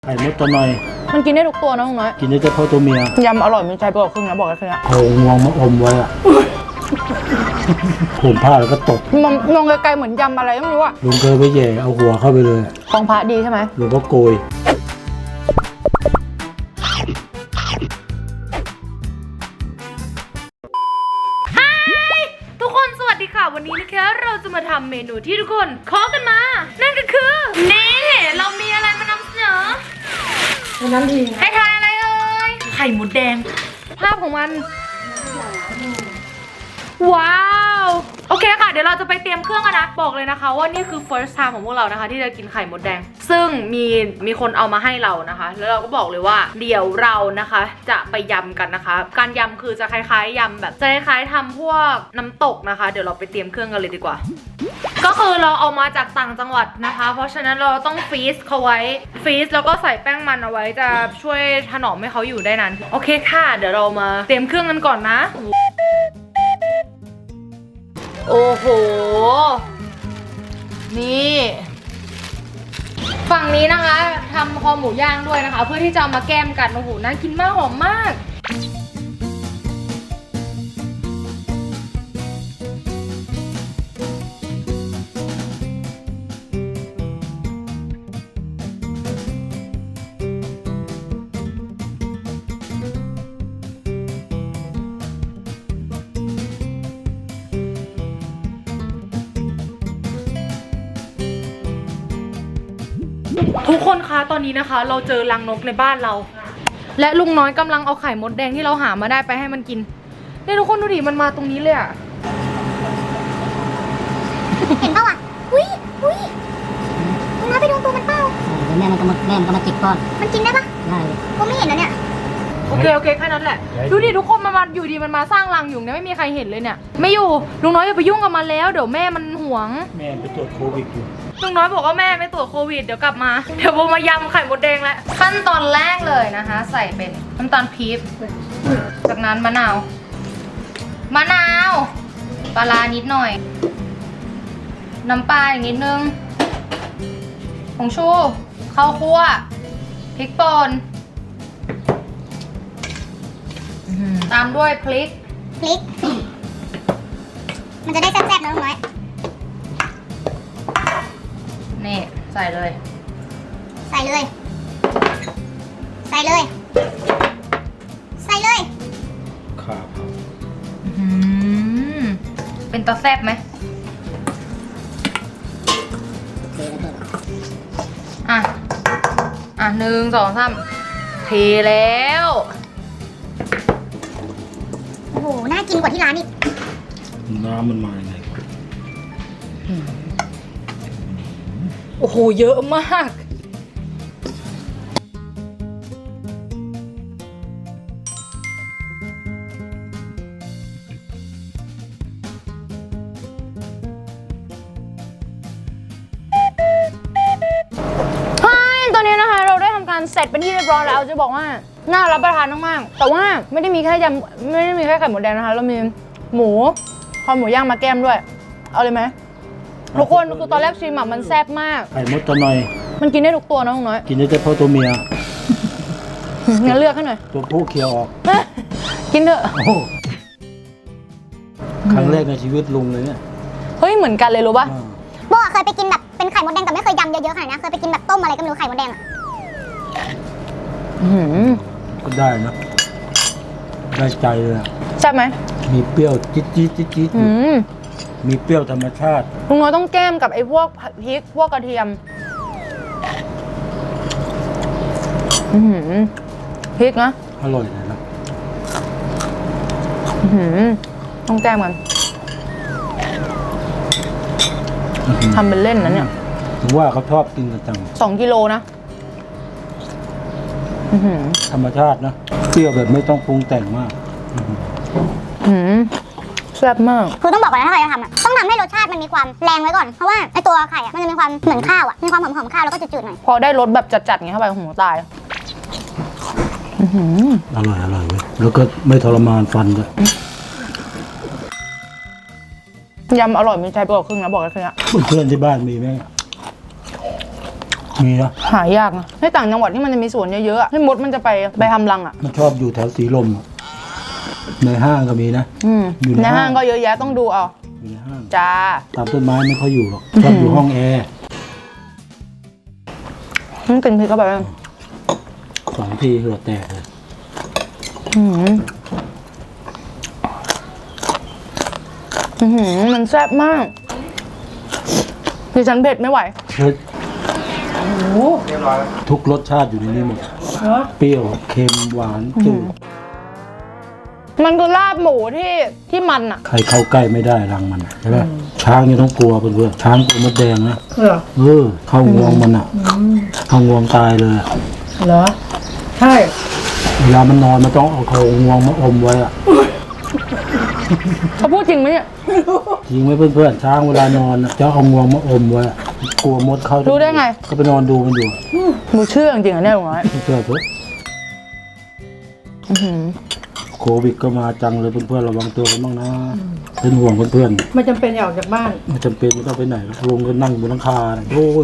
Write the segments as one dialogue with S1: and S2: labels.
S1: ไข่มดตัวหน่อย
S2: มันกินได้ทุกตัวนะลุงน้อย
S1: กินได้เฉพาะตัวเมีย
S2: ยำอร่อยมีใจไปกว่าครึ่งนะบอกเลยค่ะ
S1: เอางวงมาอมไว้อะผมผ้าแล้วก็ตบ
S2: มองไกลๆเหมือนยำอะไรไม่รู้อะ
S1: ลุงเคยไปแย่เอาหัวเข้าไปเลย
S2: ของพระดีใช่ไหม
S1: ลุงก็โกย
S2: ทุกคนสวัสดีค่ะวันนี้นะคะเราจะมาทำเมนูที่ทุกคนขอกันมานั่นก็คือนี่เรามีอะไรมานำเสนอน้ำดีให้ทานอะไรเอ่ยไข่หมูแดงภาพของมันว้าวโอเคค่ะเดี๋ยวเราจะไปเตรียมเครื่องกันนะบอกเลยนะคะว่านี่คือ first time ของพวกเรานะคะที่จะกินไข่มดแดงซึ่งมีคนเอามาให้เรานะคะแล้วเราก็บอกเลยว่าเดี๋ยวเรานะคะจะไปยำกันนะคะการยำคือจะคล้ายๆยำแบบจะคล้ายๆทำพวกน้ำตกนะคะเดี๋ยวเราไปเตรียมเครื่องกันเลยดีกว่าก็คือเราเอามาจากต่างจังหวัดนะคะเพราะฉะนั้นเราต้องฟรีซเขาไว้ฟรีซแล้วก็ใส่แป้งมันเอาไว้จะช่วยถนอมให้เขาอยู่ได้นานโอเคค่ะเดี๋ยวเรามาเตรียมเครื่องกันก่อนนะโอ้โหนี่ฝั่งนี้นะคะทำคอหมูย่างด้วยนะคะเพื่อที่จะเอามาแก้มกันโอ้โหน่ากินมากหอมมากทุกคนคะตอนนี้นะคะเราเจอรังนกในบ้านเราและลุงน้อยกำลังเอาไข่มดแดงที่เราหามาได้ไปให้มันกินนี่ทุกคนดูดิมันมาตรงนี้เลยอะ
S3: เห็นเปล่าอ่ะอุ้ยลุงน้อยไปดูตัวมันเปล่าแม่มันก็มาจิกก้อนมันกินได้ปะได้ผมไม่เห็นนะเนี่ย
S2: โอเคแค่นั้นแหละดูดิทุกคนมันมาอยู่ดีมันมาสร้างรังอยู่เนี่ยไม่มีใครเห็นเลยเนี่ยไม่อยู่ลุงน้อยอย่าไปยุ่งกับมันแล้วเดี๋ยวแม่มันหวง
S1: แม่ไปตรวจโควิดอยู่
S2: ลุงน้อยบอกว่าแม่ไม่ตรวจโควิดเดี๋ยวกลับมาเดี๋ยวโบมายำไข่มดแดงแล้วขั้นตอนแรกเลยนะคะใส่เป็นน้ำตาลปี๊บจากนั้นมะนาวปลาร้านิดหน่อยน้ำปลาอีกนิดนึงผงชูข้าวคั่วพริกป่นตามด้วยพริก
S3: มันจะได้แซ่บๆนะลุงน้อย
S2: นี่ใส่เลย
S1: ครับ
S2: เป็นตาแซ่บไหมอ่ะ1 2 3เทแล้ว
S3: โอ้โหน่ากินกว่าที่ร้านอีก
S1: น้ำมันมาไง
S2: โอ้โหเยอะมากตอนนี้นะคะเราได้ทำการเสร็จเป็นที่เรียบร้อยแล้วจะบอกว่าน่ารับประทานมากๆแต่ว่าไม่ได้มีแค่ไข่หมูแดงนะคะเรามีหมูคอหมูย่างมาแก้มด้วยเอาเลยไหมทุกคนคือตอนแรกชิมมันแซ่บมาก
S1: ไข่มดตัวหน่อย
S2: มันกินได้ทุกตัวนะลุงน้อย
S1: กินได้เฉพาะตัวเมีย
S2: งั้นเลือกให้หน่อย
S1: ตัวผู้เคี้ยวออก
S2: กินเถอะ
S1: ครั้งแรกในชีวิตลุงเลยเนี่ย
S2: เฮ้ยเหมือนกันเลยรู้ป่ะ
S3: โบเคยไปกินแบบเป็นไข่มดแดงแต่ไม่เคยยำเยอะๆขนาดนี้เคยไปกินแบบต้มอะไรก็ไม่รู้ไข่มดแดงอ่ะ
S1: ก็ได้นะได้ใจเลย
S2: ใช่ไหม
S1: มีเปรี้ยวจี๊ดมีเปรี้ยวธรรมชาติ
S2: ลุงน้อยต้องแก้มกับไอ้พวกพริกพวกกระเทียมพริกนะ
S1: อร่อยเลยนะ
S2: ต้องแก้มกันทำเป็นเล่นนะเนี่ย
S1: ถึงว่าเขาชอบกินกันจัง
S2: 2 กิโลนะ
S1: ธรรมชาตินะเปรี้ยวแบบไม่ต้องปรุงแต่งมาก
S2: แซ่บมาก
S3: คือต้องบอกก่อนนะถ้าใครจะทำอ่ะต้องทำให้รสชาติมันมีความแรงไว้ก่อนเพราะว่าไอตัวไข่อ่ะมันจะมีความเหมือนข้าวอ่ะมีความหอมข้าวแล้วก็จืดๆหน่อย
S2: พอได้รสแบบจัดๆไงเข้าไปหัวตาย
S1: อร่อยเว้ยแล้วก็ไม่ทรมานฟันด้วย
S2: ยำอร่อยมีใจไปกว่าครึ่งนะบอกเลยค่ะ
S1: เพื่อนที่บ้านมีไหมมีนะ
S2: หายากนะในต่างจังหวัดที่มันจะมีสวนเยอะๆอะที่มดมันจะไปทำรังอ่ะ
S1: มันชอบอยู่แถวสีลมอะในห้างก็มีนะ อยู่ใน
S2: ในห้างก็เยอะแยะต้องดูเอา
S1: อยู่ในห้าง
S2: จ้า
S1: ตามต้นไม้ไม่ค่อยอยู่หรอกชอบอยู่ห้องแอร์
S2: กินพริกเข้าไปเลย
S1: 2 ทีเหงื่อแตกเลย
S2: มันแซ่บมากดิฉันเผ็ดไม่ไหว
S1: เฮ้ยทุกรสชาติอยู่ในนี้หมดเปรี้ยวเค็มหวานจืด
S2: มันคือลาบหมูที่มันอ่ะ
S1: ใครเข้าใกล้ไม่ได้รังมันใช่ไหมช้างนี่ต้องกลัวเพื่อนๆช้างกลัวมดแดงนะเข้างวงมันอ่ะเข้างวงตายเลยอะ
S4: เหรอ ใช่
S1: เวลามันนอนมันต้องเอาเขางวงมาอมไว้อะ
S2: เขาพูดจริงไหมเนี่ย
S1: จริงไหมเพื่อนๆช้างเวลานอนอะจะเอางวงมาอมไว้อะกลัวมดเข้า
S2: รู้ได้ไง
S1: ก็ไปนอนดูมันอยู่อะ
S2: หนูเชื่อจริงๆอ่ะเนี่ยลุงน้อย
S1: เชื่อเถอะโควิดก็มาจังเลยเพื่อนๆระวังตัวกันบ้างนะเป็นห่วงเพื่อน
S4: ไม่จำเป็นอย่าออกจากบ้าน
S1: ๆไม่จำเป็นไม่ต้องไปไหนหรอกลงก็นั่งบนหลังคาน่ะโอ้ย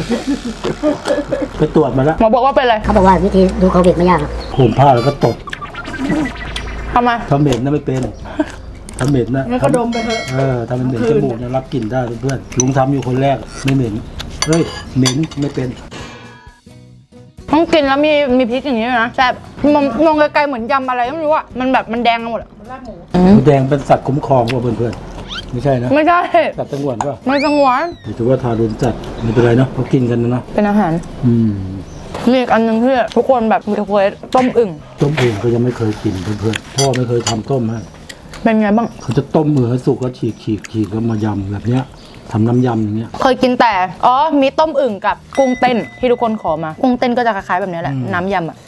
S1: ไปตรวจมาแล้ว
S2: หมอบอกว่าเป็นอะไร
S3: เขาบอกว่าวิธีดูโควิดไม่ยากหรอก
S1: ห่มผ้าแล้วก็ตบ
S2: ทำไม
S1: ทำเหม็นนะไม่เป็นทำเหม็นนะ
S4: งั้นก็ดมไปเถอะ
S1: ทำเป็นเหม็นจมูกเนี่ยรับกลิ่นได้เพื่อนๆลุงทำอยู่คนแรกไม่เหม็นเฮ้ยเหม็นไม่เป็น
S2: ต้องกินแล้วมีพริกอย่างนี้ด้วยนะแซ่บมองไกลๆเหมือนยำอะไรก็ไม่รู้อ่ะมันแบบมันแดงกันหมดอะ
S4: ลาบหมู
S1: หมูแดงเป็นสัตว์คุ้มครองว่ะเพื่อนๆไม่ใช่นะ
S2: ไม่ใช่
S1: สัตว์ตังหวนป่ะ
S2: ไม่สงวน
S1: ถือว่าทารุณจัดไม่เป็นไรเนาะเขากินกันนะเนาะ
S2: เป็นอาหาร
S1: อืม
S2: มีอีกอันหนึงที่ทุกคนแบบมีเควสต้มอึ่ง
S1: ต้มเองก็ยังไม่เคยกินเพื่อนๆพ่อไม่เคยทำต้มให้
S2: เป็นไงบ้าง
S1: เขาจะต้มมือให้สุกแล้วฉีกแล้วมายำแบบเนี้ยทำน้ำยำอย่างเงี้ย
S2: เคยกินแต่มีต้มอึ่งกับกุ้งเต้นที่ทุกคนขอมากุ้งเต้นก็จะคล้ายๆแบบนี้แหละน้ำยำอ่ะ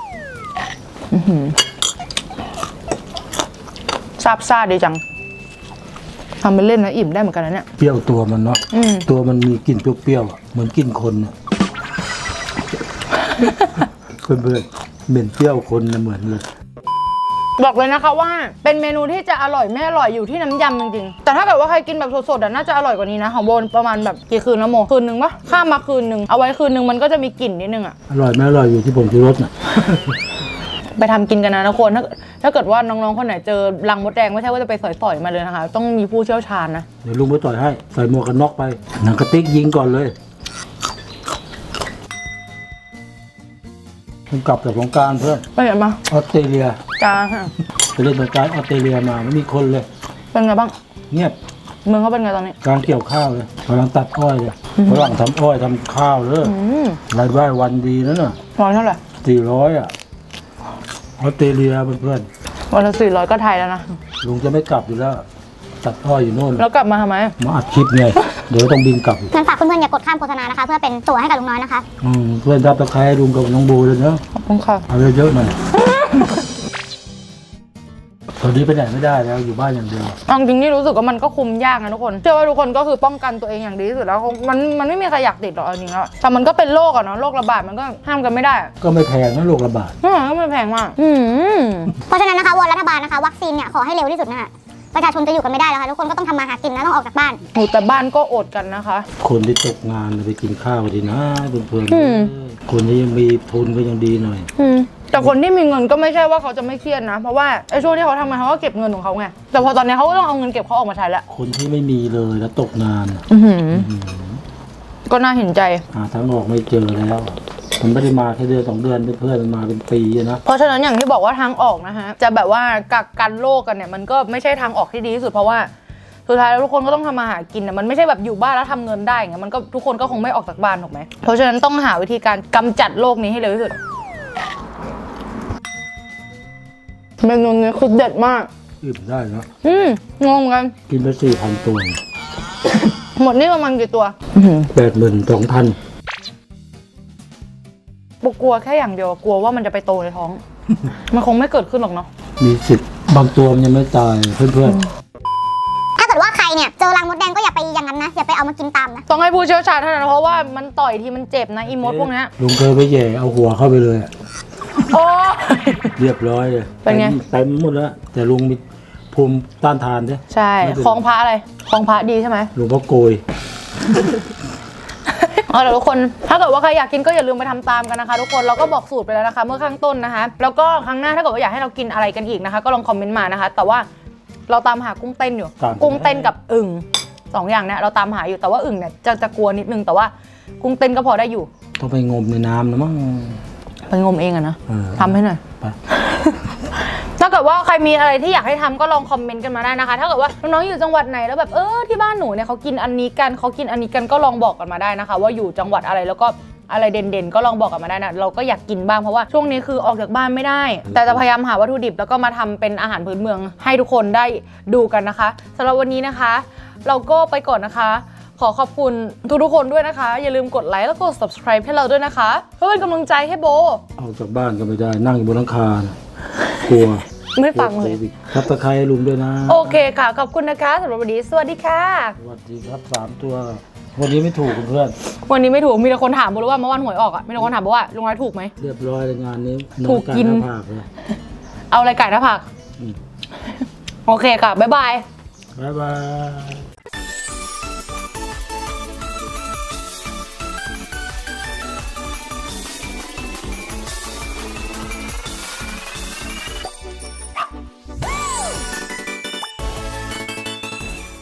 S2: ซาบซ่าดีจังทำไปเล่นนะอิ่มได้เหมือนกันนะเนี่ย
S1: เปรี้ยวตัวมันเนาะ
S2: อืม
S1: ตัวมันมีกลิ่นเปรี้ยวๆอะเหมือนกลิ่นคนเนี่ย เพื่อนๆเหม็นเปรี้ยวคนนะเหมือนเลย
S2: บอกเลยนะคะว่าเป็นเมนูที่จะอร่อยไม่อร่อยอยู่ที่น้ำยำจริงๆแต่ถ้าเกิดว่าใครกินแบบสดๆน่าจะอร่อยกว่านี้นะของโบนประมาณแบบกี่คืนแล้วโมคืนนึงปะข้ามมาคืนนึงเอาไว้คืนนึงมันก็จะมีกลิ่นนิดนึงอะ
S1: อร่อยไม่อร่อยอยู่ที่ผงชูรสน่ะ
S2: ไปทำกินกันนะทุกคนถ้าเกิดว่าน้องๆคนไหนเจอรังมดแดงไม่ใช่ว่าจะไปสอยๆมาเลยนะคะต้องมีผู้เชี่ยวชาญนะ
S1: เดี๋ยวลุงไปต่อยให้ใส่หมวกกันน็อกไปหนังกระติกยิงก่อนเลยผมกลับจากสงกรานต์เพื่อน
S2: ไปเห็นมา
S1: ออสเตรเลีย
S2: จ้า
S1: ไปเล่นสงกรานต์ออสเตรเลียมาไม่มีคนเลย
S2: เป็นไงบ้าง
S1: เงียบ
S2: เมืองเขาเป็นไงตอนนี้
S1: กลางเกี่ยวข้าวเลยกำลังตัดอ้อยเลยฝรั่งทำอ้อยทำข้าวเลยรายได้วันดีนั่นน่ะ
S2: ร้อยเท่าไหร่
S1: 400อ่ะออสเตรเลียเพื่อน
S2: วันละ400ก็ไทยแล้วนะ
S1: ๆลุงจะไม่กลับอยู่แล้ว ตัดอ้อยอยู่โน่น
S2: แล้วกลับมาทำไม
S1: มาอัดคลิปไงเดี๋ยวต้องบินกลับอีก
S3: งั้นฝากเพื่อนๆอย่ากดข้ามโฆษณานะคะ เพื่อเป็นตั๋วให้กับลุงน้อยนะคะ
S1: เพื่อนรับตะไคร้ลุงกับน้องโบเลยเนาะ
S2: ขอบคุณค่ะ
S1: เอาเยอะๆหน่อยตอนนี้ไปไหนไม่ได้แล้วอยู่บ้านอย่างเดียว
S2: เอาจริงๆนี่รู้สึกว่ามันก็คุมยากนะทุกคนเชื่อว่าทุกคนก็คือป้องกันตัวเองอย่างดีที่สุดแล้วมันไม่มีใครอยากติดหรอกเอาจริงๆแล้วแต่มันก็เป็นโรคอะเนาะโรคระบาดมันก็ห้ามกันไม่ได้อะ
S1: ก็ไม่แพงนะโรคระบาด
S2: ก็ไม่แพงมาก
S3: เพราะฉะนั้นนะคะวอนรัฐบาลนะคะวัคซีนเนี่ยขอให้เร็วที่สุดนะคะประชาชนจะอยู่กันไม่ได้แล้วค่ะทุกคนก็ต้องทำมาหากินนะต้องออกจากบ้าน
S2: โอ้แต่บ้านก็อดกันนะคะ
S1: คนที่ตกงานไปกินข้าวดีนะเพื่อน
S2: อืม
S1: ๆคนที่ยังมีทุนก็ยังดีหน่อย
S2: แต่คนที่มีเงินก็ไม่ใช่ว่าเขาจะไม่เครียดนะ เพราะว่าไอ้ช่วงที่เขาทำงานเขาก็เก็บเงินของเขาไงแต่พอตอนนี้เขาก็ต้องเอาเงินเก็บเขาออกมาใช้แล้ว
S1: คนที่ไม่มีเลยแล้วตกงาน
S2: ก็น่าเห็นใจ
S1: หาทางออกไม่เจอแล้วมันไม่ได้มาแค่เดือน2 เดือนเพื่อนๆมันมาเป็นปีอะนะ
S2: เพราะฉะนั้นอย่างที่บอกว่าทางออกนะฮะจะแบบว่ากักกันโรคกันเนี่ยมันก็ไม่ใช่ทางออกที่ดีที่สุดเพราะว่าสุดท้ายแล้วทุกคนก็ต้องทำมาหากินนะมันไม่ใช่แบบอยู่บ้านแล้วทำเงินได้ไงมันก็ทุกคนก็คงไม่ออกจากบ้านถูกไหมเพราะฉะนั้นต้องหาวิธีการกำจัดโรคนี้ให้เร็วที่สุดเมนูนี้คือเด็ดมาก
S1: อิ่มได้เนอะ
S2: งงกัน
S1: กินไป4,000 ตัว
S2: หมดนี่ประมาณกี่ตัว
S1: 82,000
S2: ปกกลัวแค่อย่างเดียวกลัวว่ามันจะไปโตในท้อง มันคงไม่เกิดขึ้นหรอกเนาะ
S1: มีสิทธิ์บางตัวมันยังไม่ตายเพื่อน
S3: ถ้าเกิดว่าใครเนี่ยเจอรังมดแดงก็อย่าไปอย่างนั้นนะอย่าไปเอามากินตามนะ
S2: ต้องให้ผู้เชี่ยวชาญเท่านั้นเพราะว่ามันต่อยทีมันเจ็บนะอีมดพวกเนี้ย
S1: ลุงเคยไปแย่เอาหัวเข้าไปเลยอะ
S2: โอ้
S1: เรียบร้อยเลย
S2: เป็นไง
S1: เต็มหมดแล้วแต่ลุงมีภูมิต้านทานใช่
S2: ใช่
S1: ไม่เป็นไร
S2: คลองพระอะไรคลองพระดีใช่ไหม
S1: หลวงพ่อโกย
S2: เดี๋ยวทุกคนถ้าเกิดว่าใครอยากกินก็อย่าลืมไปทำตามกันนะคะทุกคนเราก็บอกสูตรไปแล้วนะคะเมื่อข้างต้นนะคะแล้วก็ครั้งหน้าถ้าเกิดว่าอยากให้เรากินอะไรกันอีกนะคะก็ลองคอมเมนต์มานะคะแต่ว่าเราตามหากุ้งเต้นอยู่กุ้งเต้นกับอึ่ง2อย่างเนี่ยเราตามหาอยู่แต่ว่าอึ่งเนี่ยจะกลัวนิดนึงแต่ว่ากุ้งเต้นก็พอได้อยู่
S1: ต้องไปงมในน้ำนะมั้ง
S2: ไปงมเองอะนะ ทำให้หน่อย
S1: ไป
S2: ถ้าเกิดว่าใครมีอะไรที่อยากให้ทำก็ลองคอมเมนต์กันมาได้นะคะถ้าเกิดว่าน้องๆอยู่จังหวัดไหนแล้วแบบที่บ้านหนูเนี่ยเขากินอันนี้กันก็ลองบอกกันมาได้นะคะว่าอยู่จังหวัดอะไรแล้วก็อะไรเด่นๆก็ลองบอกกันมาได้นะเราก็อยากกินบ้างเพราะว่าช่วงนี้คือออกจากบ้านไม่ได้ แต่จะพยายามหาวัตถุดิบแล้วก็มาทำเป็นอาหารพื้นเมืองให้ทุกคนได้ดูกันนะคะสำหรับวันนี้นะคะ เราก็ไปก่อนนะคะขอขอบคุณทุกคนด้วยนะคะอย่าลืมกดไลค์แล้วก็ subscribe ให้เราด้วยนะคะเพื่อเป็นกำลังใจให้โบ
S1: ออกจากบ้านก็ไม่ได้นั่งอยู่บนหลังคานะกลัว
S2: ไม่ฟังเลย
S1: ครับตะไคร้ลุมด้วยนะ
S2: โอเคค่ะขอบคุณนะคะสำหรับวันนี้สวัสดีค่ะ
S1: สวัสดีครับ3 ตัววันนี้ไม่ถูกเพื่อน
S2: วันนี้ไม่ถูกมีแต่คนถามโบว่าเมื่อวันหวยออกมีแต่คนถามโบว่าลุงน้อยถูกไหม
S1: เรียบร้อยเลยงานนี้
S2: ถูกกิน
S1: หาผากเลย
S2: เอาอะไรไก่หน้าผักโอเคค่ะบ๊ายบาย
S1: บ๊ายบาย